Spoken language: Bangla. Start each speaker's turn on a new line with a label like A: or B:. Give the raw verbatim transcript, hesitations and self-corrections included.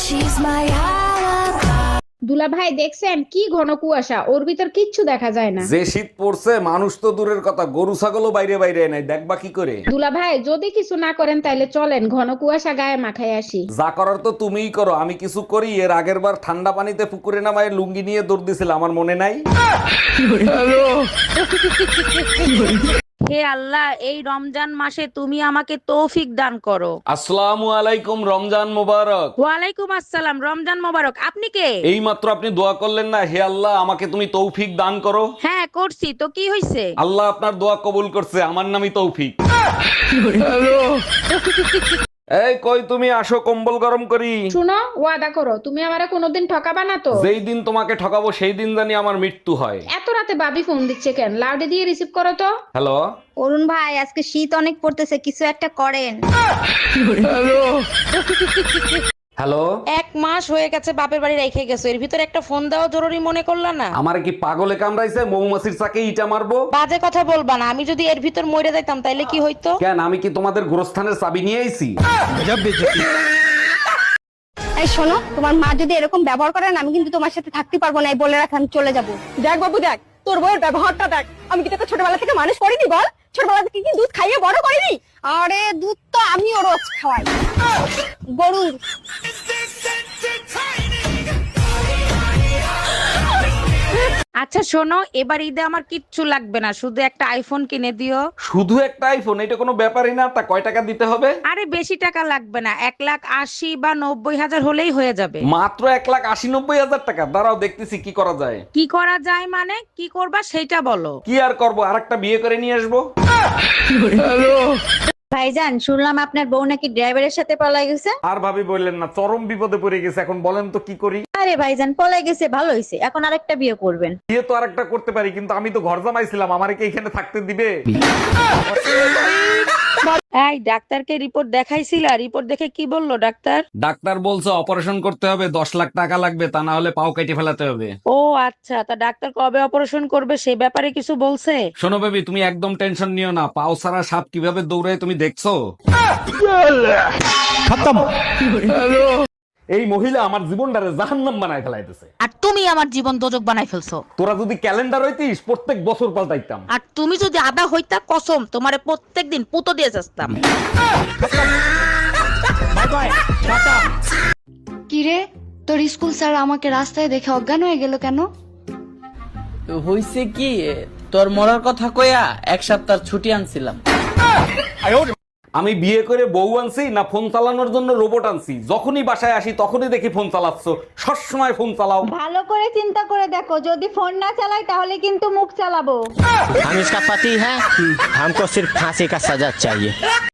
A: She's my alibi.
B: দুলা ভাই দেখছেন কি ঘন কুয়াশা, ওর ভিতর কিচ্ছু দেখা যায় না।
C: যে শীত পড়ছে মানুষ তো দূরের কথা, গরু ছাগলও বাইরে বাইরে নাই, দেখবা কি করে?
B: দুলা ভাই যদি কিছু না করেন তাইলে চলেন ঘন কুয়াশা গায়ে মাখায় আসি।
C: যা করার তো তুমিই করো, আমি কিছু করি? এর আগের বার ঠান্ডা পানিতে পুকুরে নামায় লুঙ্গি নিয়ে দৌড় দিছিল, আমার মনে নাই?
D: হে আল্লাহ, এই রমজান মাসে তুমি আমাকে তৌফিক দান করো।
C: আসসালামু আলাইকুম, রমজান মোবারক।
D: ওয়ালাইকুম আসসালাম, রমজান মোবারক। আপনি কে?
C: এই মাত্র আপনি দোয়া করলেন না, হে আল্লাহ আমাকে তুমি তৌফিক দান করো।
D: হ্যাঁ করছি তো, কি হইছে?
C: আল্লাহ আপনার দোয়া কবুল করছে, আমার নামই তৌফিক। এই কই তুমি, আসো কম্বল গরম করি।
B: শুনো, ওয়াদা করো তুমি আমারে কোনোদিন ঠকাবা না তো।
C: যেই দিন তোমাকে ঠকাবো সেই দিন জানি আমার মৃত্যু হয়।
B: এত রাতে বাবি ফোন দিচ্ছে কেন? লাউডে দিয়ে রিসিভ করো তো।
C: হ্যালো।
E: অরুণ ভাই, আজকে শীত অনেক পড়তেছে, কিছু একটা করেন।
C: হ্যালো।
D: এক মাস হয়ে গেছে বাপের বাড়ি রেখে গেছো, এর ভিতরে একটা ফোন দেওয়া জরুরি মনে করলা না?
C: আমার কি পাগলে কামড়াইছে? মৌমাছির চাকে ইটা মারবো?
D: বাজে কথা বলবা না, আমি যদি এর ভিতর মরে যাইতাম তাইলে কি হইতো?
C: কেন, আমি কি তোমাদের গোরস্থানের চাবি নিয়ে আইছি?
E: এই শোনো, তোমার মা যদি এরকম ব্যবহার করেন আমি কিন্তু তোমার সাথে থাকতে পারবো না, এই বলে রাখ, আমি চলে যাবো। দেখ বাবু দেখ, তোর বউয়ের ব্যবহারটা দেখ। আমি কি তোকে ছোটবেলা থেকে মানুষ করিনি বল? ছোটবেলা থেকে কি দুধ খাইয়ে বড় করিনি? আরে দুধ তো আমিও রোজ খাওয়াই, গরুর।
D: আচ্ছা শোনো, এবার ঈদে আমার কিচ্ছু লাগবে না, শুধু একটা আইফোন কিনে দিও।
C: শুধু একটা আইফোন? এটা কোনো ব্যাপারই না। তা কয় টাকা দিতে হবে?
D: আরে বেশি টাকা লাগবে না, এক লাখ আশি বা নব্বই হাজার হলেই হয়ে যাবে।
C: মাত্র এক লাখ আশি নব্বই হাজার টাকা? দাঁড়াও দেখতেছি কি করা যায়।
D: কি করা যায় মানে? কি করবা সেটা বলো।
C: কি আর করবো, আর একটা বিয়ে করে নিয়ে আসবো।
E: ভাইজান, শুনলাম আপনার বউ নাকি ড্রাইভারের সাথে পলাই গেছে।
C: আর ভাবি বললেন না, চরম বিপদে পড়ে গেছে। এখন বলেন তো কি করি?
E: আরে ভাইজান, পলাই গেছে ভালো হয়েছে, এখন আরেকটা বিয়ে করবেন।
C: বিয়ে তো আর একটা করতে পারি, কিন্তু আমি তো ঘর জামাইছিলাম, আমারে কি এখানে থাকতে দিবে?
D: এই ডাক্তারকে রিপোর্ট দেখাইছিলা? রিপোর্ট দেখে কি বললো ডাক্তার?
C: ডাক্তার বলছে অপারেশন করতে হবে, দশ লাখ টাকা লাগবে, তা না হলে পাও কেটে ফেলাতে হবে।
D: ও আচ্ছা, তা ডাক্তার কবে অপারেশন করবে সে ব্যাপারে কিছু বলছে?
C: শোনো বেবি, তুমি একদম টেনশন নিও না। পাও ছাড়া সাপ কিভাবে দৌড়ায় তুমি দেখছো? এই মহিলা আমার জীবনটারে জাহান্নাম বানায় ফেলাইতেছে।
D: আর তুমি আমার জীবন দোজক বানাই ফেলছো।
C: তোরা যদি ক্যালেন্ডার হইতিস প্রত্যেক বছর পাল্টাইতাম।
D: আর তুমি যদি আদা হইতা, কসম তোমারে প্রত্যেকদিন পুতো দিয়ে যাস্তাম।
F: কিরে, তোর স্কুল স্যার আমাকে রাস্তায় দেখে অজ্ঞান হয়ে গেল কেন?
G: হইছে কি, তোর মরার কথা কইয়া এক সপ্তাহ ছুটি আনছিলাম।
C: আমি বিয়ে করে বউ আনছি না ফোন চালানোর জন্য রোবট আনছি? যখনই বাসায় আসি তখনই দেখি ফোন চালাচ্ছ। সবসময় ফোন চালাও।
E: ভালো করে চিন্তা করে দেখো, যদি ফোন না চালাই তাহলে কিন্তু মুখ চালাবো।
H: हम इसका पति है, हमको सिर्फ फांसी का सजा चाहिए।